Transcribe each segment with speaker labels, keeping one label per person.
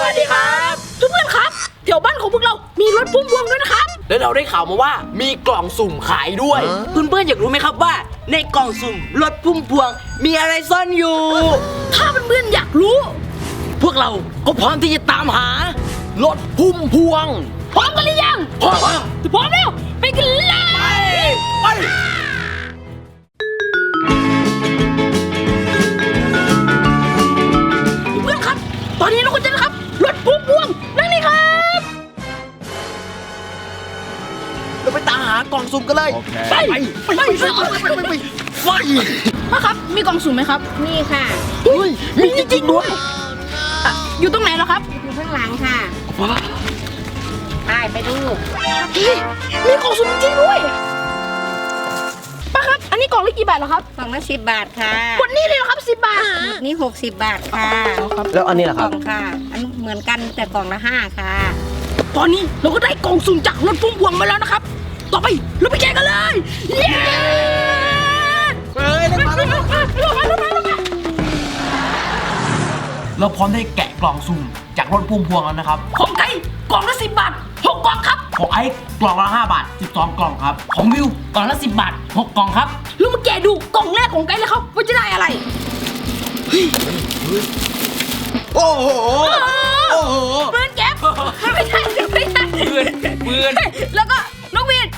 Speaker 1: วัสดีครับ
Speaker 2: ทุกเพื่อนครับแถวบ้านของพวกเรามีรถพุ่มพวงด้วยนะครับ
Speaker 1: แล้วเราได้ข่าวมาว่ามีกล่องสุ่มขายด้วยเพื่อนๆอยากรู้ไหมครับว่าในกล่องสุ่มรถพุ่มพวงมีอะไรซ่อนอยู่
Speaker 2: ถ้าเพื่อนๆอยากรู้
Speaker 1: พวกเราก็พร้อมที่จะตามหารถพุ่มพวง
Speaker 2: พร้อมกันหรือยัง
Speaker 1: พร้อม
Speaker 2: แล้วไปกันเลย
Speaker 1: ไป
Speaker 2: เพื่อนครับตอนนี้เราก็จะนะครับรถพุ่มพวงนั่นนี่ครับ
Speaker 1: เราไปตามหากล่องสุ่มกันเลยไป
Speaker 2: พ่อครับมีกล่องสุ่มไหมครับ
Speaker 3: นี่ค่ะ
Speaker 1: มีจริงๆด้วย
Speaker 2: อยู่ตรงไหนเหรอครับ
Speaker 3: อยู่ข้างหลังค่ะไปดู
Speaker 2: มีกล่องสุ่มจริงด้วยป้าครับอันนี้กล่องละกี่บาทเหรอครับ
Speaker 3: กล่องละ10 บาทค่ะ
Speaker 2: หมดนี่เลยเหรอครับ10 บาท
Speaker 3: นี่60 บาทค่ะ
Speaker 1: แล้วอันนี้ล่ะครับ
Speaker 3: กล่องค่ะอันเหมือนกันแต่กล่องละ5ค่ะ
Speaker 2: ตอนนี้เราก็ได้กล่องสุ่มจากรถพุ่มพวงมาแล้วนะครับต่อไปเราไปแข่งกันเลยเย้
Speaker 1: เราพร้อมได้แกะกล่องสุ่มจากรถพุ่มพวงแล้วนะครับ
Speaker 2: ของไก่กล่องละ10 บาท6 กล่องครับ
Speaker 1: ของไอ้กล่องละ5 บาท12 กล่องครับของวิวกล่องละ10 บาท6 กล่องครับ
Speaker 2: เรามาแกะดูกล่องแรกของไก่เลยครับว่าจะได้อะไร
Speaker 1: โอ้โห
Speaker 2: ปืนแก๊ปไม่ใช่
Speaker 1: ปืน
Speaker 2: แล้วก็นกหวีด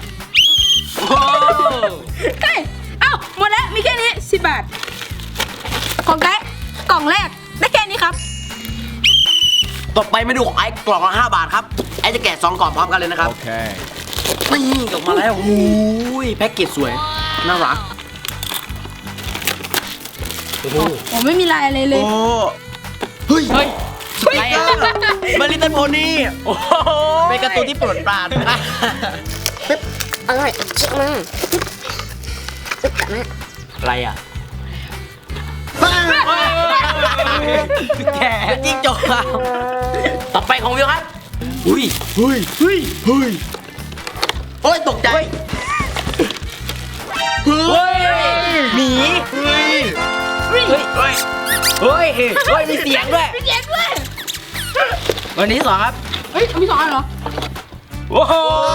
Speaker 2: เฮ้ยเอ้าหมดแล้วมีแค่นี้10 บาทของไก่กล่องแรกได้แค่นี้ครับ
Speaker 1: ต่อไปมาดูของไอ้กล่องละ5 บาทครับไอ้จะแกะ2 กล่องพร้อมกันเลยนะครับโอเคนี่ออกมาแล้วโอ้ยแพ็กเกจสวยน่ารัก
Speaker 2: โอ้โหไม่มีลายอะไรเลย
Speaker 1: เฮ้ยอะไรอ่ะมาลิตเติ้ลโพนี่โอ้โหเป็นการ์ตูนที่โปรดปราน
Speaker 3: อะไรเช็คมา
Speaker 1: อะไรอ่ะแกจิ้งจกต่อไปของวิวครับเฮ้ยตกใจหมีมีเสียงด้วยวันนี้2ครับ
Speaker 2: มี2 อันเหรอ
Speaker 1: โอ้โห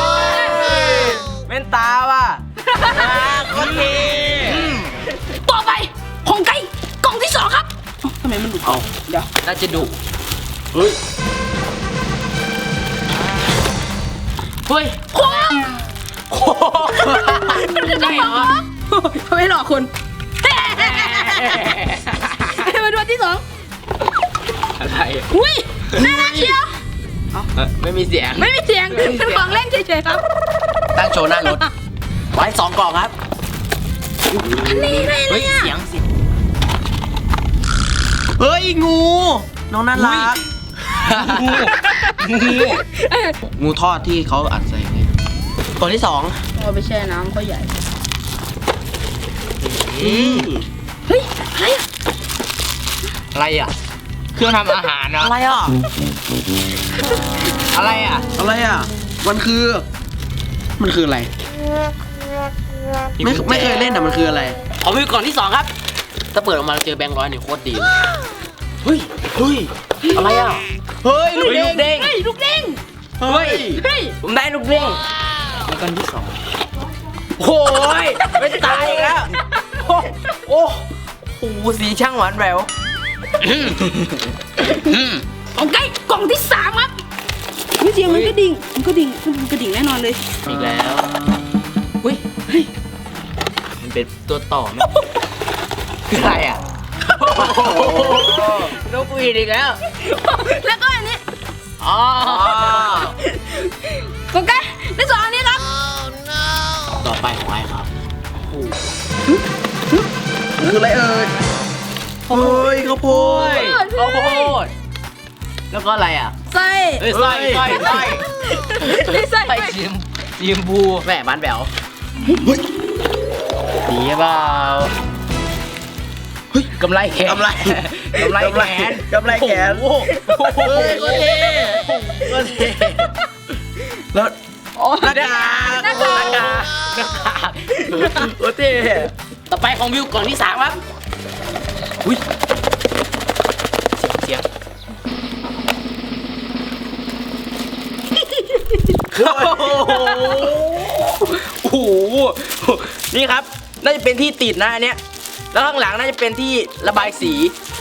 Speaker 1: เป็นตาว่ะโอเค
Speaker 2: ต่อไปของไก่กล่องที่2ครับทำไมมันดุเอาเดี๋ยว
Speaker 1: น่าจะดุเฮ้ย
Speaker 2: ใช่เหรอไม่หลอกคุณมาดูอันที่2
Speaker 1: อะไร
Speaker 2: อุ้ยน่ารักเชียว
Speaker 1: ไม่มีเสียง
Speaker 2: เป็นของเล่นเฉยๆครับ
Speaker 1: ตั้งโชว์หน้ารถไว้2 กล่องครับ
Speaker 2: อันนี้ไงเลย
Speaker 1: เสียงสิเฮ้ยงูน้องน่ารักงูทอดที่เขาอัดใส่กล่องที่2
Speaker 2: เอาไปแช่น้ำเขาใหญ่
Speaker 1: เฮ้ยอะไรอ่ะเครื่องทำอาหารนะอะไรอ่ะมันคืออะไรไม่เคยเล่นอะมันคืออะไรขอวิวกล่องที่2ครับถ้าเปิดออกมาเจอแบงค์100นี่โคตรดีเฮ้ยอะไรอ่ะลูกเด้งผมได้ลูกเด้งแล้วกล่องที่2โอ้ยไม่ตายอีกแล้วโอ้โหสีช่างหวานแหวว
Speaker 2: ของไก่กล่องที่3ครับไม่เสียงมันก็ดิ่งแน่นอนเลย
Speaker 1: อีกแล้วเฮ้ยมันเป็นตัวต่อไหมคืออะไรอ่ะนกหวีดอีกแล้ว
Speaker 2: แล้วก็อันนี้ของไก่ได้2 อันนี้ครับ
Speaker 1: ต่อไปของไอ้ครับคืออะไรเอ่ยข้าวโพดแล้วก็อะไรอ่ะไส้ชิมบูแม่บ้านแบวดีเปล่าเฮ้ยกำไรแขนโอ้โหก็เท่แล้วหน้ากากโอเท่ต่อไปของวิวกล่องที่3ครับอุ้ยเสียง
Speaker 4: โอ้โหนี่ครับน่าจะเป็นที่ติดนะอันเนี้ยแล้วข้างหลังน่าจะเป็นที่ระบายสี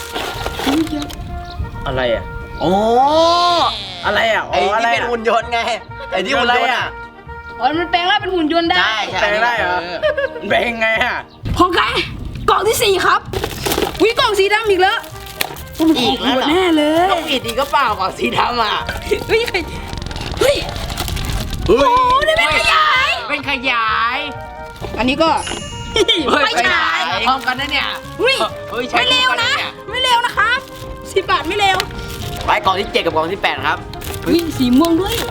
Speaker 4: อะไรอ่ะ
Speaker 1: โอ้
Speaker 4: อะไรอ่ะ
Speaker 1: ไอ้
Speaker 4: อะไร
Speaker 1: ที่เป็น
Speaker 4: อ่ะ
Speaker 1: หุ่นยนต์ไงไอ้ที่หุ่นยนต์อ่ะ
Speaker 2: อ๋อมันแปลงร่างเป็นหุ่นยนต์ได้
Speaker 1: ใช่ใช่
Speaker 4: แปลงได้เหรอแปลงไงอ่ะ
Speaker 2: ของไก่กล่องที่ 4 ครับวิกล่องสีดำอีกแล้วต้องเป็นของหัวแน่เลย
Speaker 4: ต้องอิดอีกก็เปล่าของสีดำอ่ะ
Speaker 2: เฮ้ยใครเฮ้ย
Speaker 1: เฮ้ย
Speaker 2: โอ้ได้เป็นขยาย
Speaker 4: เป็นขยาย
Speaker 2: อันนี้ก็ ไม่ใช่
Speaker 4: พร้อมกันนะเนี่ย
Speaker 2: อุ้ย
Speaker 4: เฮ้ยใช้
Speaker 2: ไม่เร็วนะ ไม่เร็วนะครับ10 บาทไม่เร็ว
Speaker 1: ไปกล่องที่ 7 กับกล่องที่ 8 ครับ
Speaker 2: วิ่งสีม่วงด้วย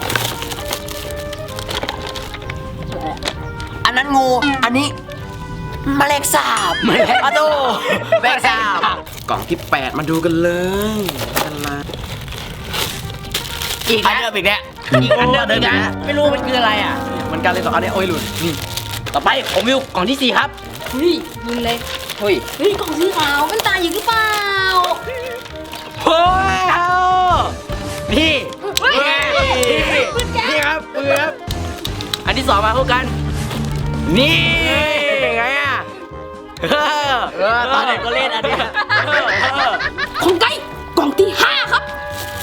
Speaker 1: อันนั้นงู อันนี้แมลงสาบอะโตแมลงสาบกล่องที่ 8 มาดูกันเลยกันละ
Speaker 4: อีก
Speaker 1: อัน
Speaker 4: นะ
Speaker 1: เดิมอีกแล้ว
Speaker 4: อีกอันเดิมอีกนะไม่รู้มันคืออะไรอ่ะ
Speaker 1: เหมือนกันเลยสองอันนี้โอ้ยหลุดนี่
Speaker 4: ต่อไปผมวิวกล่องที่ 4 ครับ
Speaker 2: เฮ้ยยิงเลย
Speaker 4: เฮ้ย
Speaker 2: เฮ้ยกล่องสีขาวมันตายอยู่หรือเปล่า
Speaker 4: เฮ้ยเอานี่
Speaker 2: เฮ้ย
Speaker 4: นี่ครับปืนครับอันที่ 2 มาคู่กัน นี่ไงอ่ะ
Speaker 1: ตอนเด็กก็เล่นอันเนี้ย
Speaker 2: ของไก่กล่องที่ 5 ครับ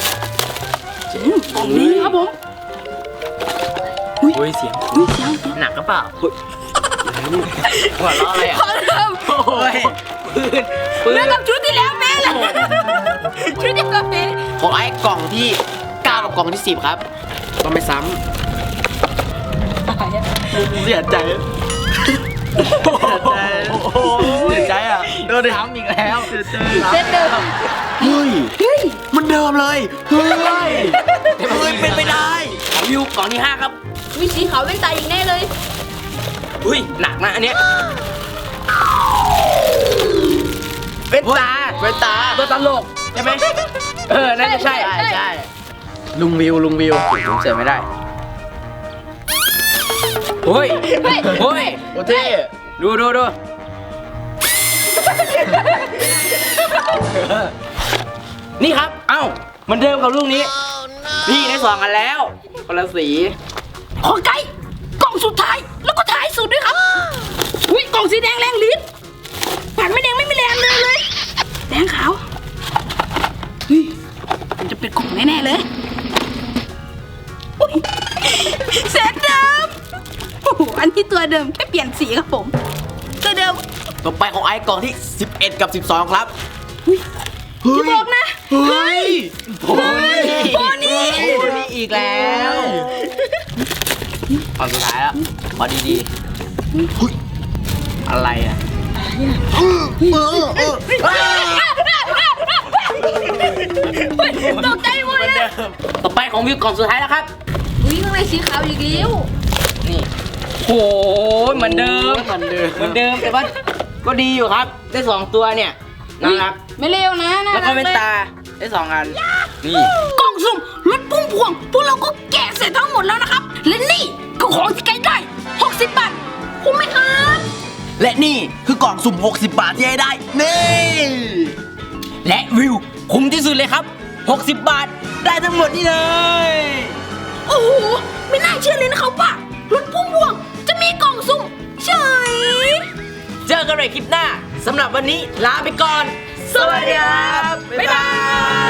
Speaker 2: กล่องนี้ครับผม
Speaker 4: เฮ้ยเสียง
Speaker 2: อุ้ยเสียง
Speaker 4: หนักก็เปล่าหัวเราะอะไรอ่ะ
Speaker 2: ขอเริ่ม
Speaker 4: โอ้ยปืน
Speaker 2: เรื่องกับชุดที่แล้วแม่เลยชุดที่แล้วแม่
Speaker 1: ของไอ้กล่องที่ 9 กับกล่องที่ 10 ครับต้องไม่ซ้ำเสียใจเสียใจอ่ะโดนซ้ำอีกแล้วเสียใจ
Speaker 2: เซตเดิม
Speaker 1: เฮ้ย
Speaker 2: เฮ้ย
Speaker 1: มันเดิมเลยเฮ้ยเป็นไปได้
Speaker 4: ของวิวกล่องที่ 5 ครับ
Speaker 2: มีสีขาวเป็นตายอีกแน่เลย
Speaker 4: อุ้ยหนักนะอันเนี้ยเป็นตา
Speaker 1: เป็นตา
Speaker 4: ตัวตลกใช่ไหมน่าจะใช่
Speaker 1: ใช่
Speaker 4: ลุงวิวผมเสียไม่ได้โอ้ยโอ้ย
Speaker 1: โอเท่
Speaker 4: ดูนี่ครับ เอ้าเหมันเดิมกับลูกนี้พี่ได้2 อันแล้วคนละสี
Speaker 2: ของไก่กล่องสุดท้ายแล้วก็ท้ายสุดด้วยครับอุ้ยกล่องสีแดงแรงลิ้นปากไม่แดงไม่มีแรงเลยแดงขาวเฮ้ยมันจะเป็นกล่องแน่ๆเลยอุ๊ยเซตเดิมโอ้โหอันนี้ตัวเดิมแค่เปลี่ยนสีครับผมตัวเดิม
Speaker 1: ต่อไปของไอ้กล่องที่ 11 กับ 12 ครับ
Speaker 2: อย่าบอกนะ
Speaker 1: เฮ้ย
Speaker 4: โอ้ย
Speaker 2: โอ้นี่
Speaker 4: นี่อีกแล้วเอาสุดท้ายแล้วพอดีๆอะไรอ่ะ
Speaker 2: ตกใจหมดเลย
Speaker 4: ต่อไปของวิวกล่องสุดท้ายแล้วครับ
Speaker 2: อุ้ยข้างในสีขาวอีกแล้ว
Speaker 4: นี่โหเหมือนเดิมแต่ว่าก็ดีอยู่ครับได้ 2 ตัวเนี่ยน่ารัก
Speaker 2: ไม่เลวนะน่า
Speaker 4: แล้ว
Speaker 2: รั
Speaker 4: ก็
Speaker 2: ก
Speaker 4: เป็น
Speaker 2: เลย
Speaker 4: ตาได้ 2 อันนี่
Speaker 2: กล่องสุ่มรถพุ่มพวงพวกเราก็แกะเสร็จทั้งหมดแล้วนะครับ และนี่ก็ของที่ใกล้ได้ 60 บาทคุ้มไหมครับ
Speaker 1: และนี่คือกล่องสุ่ม 60 บาทที่ให้ได้ นี่
Speaker 4: และวิวคุ้มที่สุดเลยครับ 60 บาทได้ทั้งหมดนี่เลย
Speaker 2: โอ้โห ไม่น่าเชื่อเลยนะครับว่ารถพุ่มพวงจะมีกล่องสุ่มเฉย
Speaker 4: เจอกันใหม่คลิปหน้าสำหรับวันนี้ลาไปก่อน สวัสดีครับ บ๊ายบาย